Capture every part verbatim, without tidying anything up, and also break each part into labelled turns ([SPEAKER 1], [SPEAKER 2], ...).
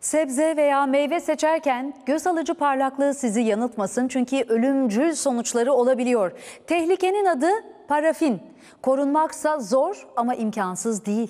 [SPEAKER 1] Sebze veya meyve seçerken göz alıcı parlaklığı sizi yanıltmasın çünkü ölümcül sonuçları olabiliyor. Tehlikenin adı parafin. Korunmaksa zor ama imkansız değil.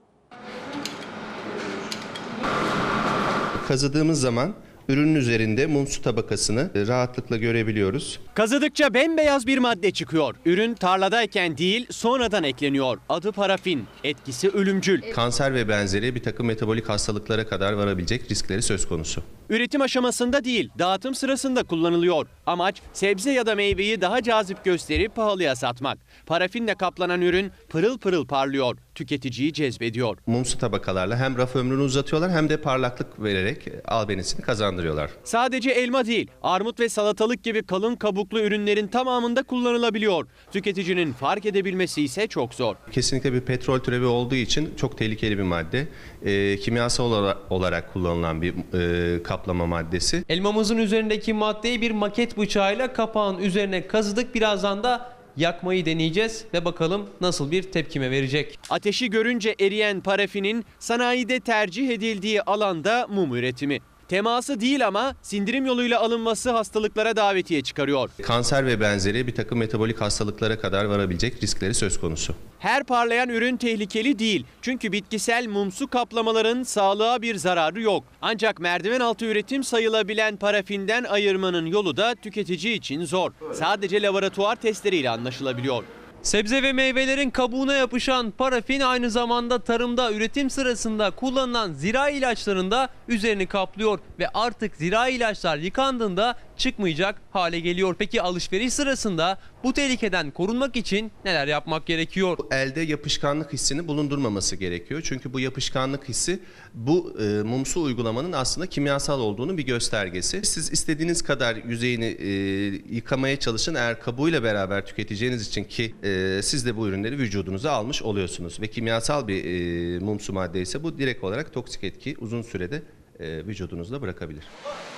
[SPEAKER 2] Kazıdığımız zaman ürünün üzerinde mumsu tabakasını rahatlıkla görebiliyoruz.
[SPEAKER 3] Kazıdıkça bembeyaz bir madde çıkıyor. Ürün tarladayken değil sonradan ekleniyor. Adı parafin. Etkisi ölümcül.
[SPEAKER 2] Kanser ve benzeri bir takım metabolik hastalıklara kadar varabilecek riskleri söz konusu.
[SPEAKER 3] Üretim aşamasında değil, dağıtım sırasında kullanılıyor. Amaç sebze ya da meyveyi daha cazip gösterip pahalıya satmak. Parafinle kaplanan ürün pırıl pırıl parlıyor. Tüketiciyi cezbediyor.
[SPEAKER 2] Mumsu tabakalarla hem raf ömrünü uzatıyorlar hem de parlaklık vererek albenisini kazandırıyorlar.
[SPEAKER 3] Sadece elma değil, armut ve salatalık gibi kalın kabuklu ürünlerin tamamında kullanılabiliyor. Tüketicinin fark edebilmesi ise çok zor.
[SPEAKER 2] Kesinlikle bir petrol türevi olduğu için çok tehlikeli bir madde. E, kimyasal olarak kullanılan bir e, kaplama maddesi.
[SPEAKER 4] Elmamızın üzerindeki maddeyi bir maket bıçağıyla kapağın üzerine kazıdık. Birazdan da yakmayı deneyeceğiz ve bakalım nasıl bir tepkime verecek.
[SPEAKER 3] Ateşi görünce eriyen parafinin sanayide tercih edildiği alanda mum üretimi. Teması değil ama sindirim yoluyla alınması hastalıklara davetiye çıkarıyor.
[SPEAKER 2] Kanser ve benzeri bir takım metabolik hastalıklara kadar varabilecek riskleri söz konusu.
[SPEAKER 3] Her parlayan ürün tehlikeli değil. Çünkü bitkisel mumsu kaplamaların sağlığa bir zararı yok. Ancak merdiven altı üretim sayılabilen parafinden ayırmanın yolu da tüketici için zor. Sadece laboratuvar testleriyle anlaşılabiliyor.
[SPEAKER 4] Sebze ve meyvelerin kabuğuna yapışan parafin aynı zamanda tarımda üretim sırasında kullanılan zirai ilaçlarında üzerini kaplıyor ve artık zirai ilaçlar yıkandığında çıkmayacak hale geliyor. Peki alışveriş sırasında bu tehlikeden korunmak için neler yapmak gerekiyor?
[SPEAKER 2] Elde yapışkanlık hissini bulundurmaması gerekiyor. Çünkü bu yapışkanlık hissi bu e, mumsu uygulamanın aslında kimyasal olduğunu bir göstergesi. Siz istediğiniz kadar yüzeyini e, yıkamaya çalışın, eğer kabuğuyla beraber tüketeceğiniz için ki e, siz de bu ürünleri vücudunuza almış oluyorsunuz. Ve kimyasal bir e, mumsu madde ise bu direkt olarak toksik etki uzun sürede e, vücudunuzda bırakabilir.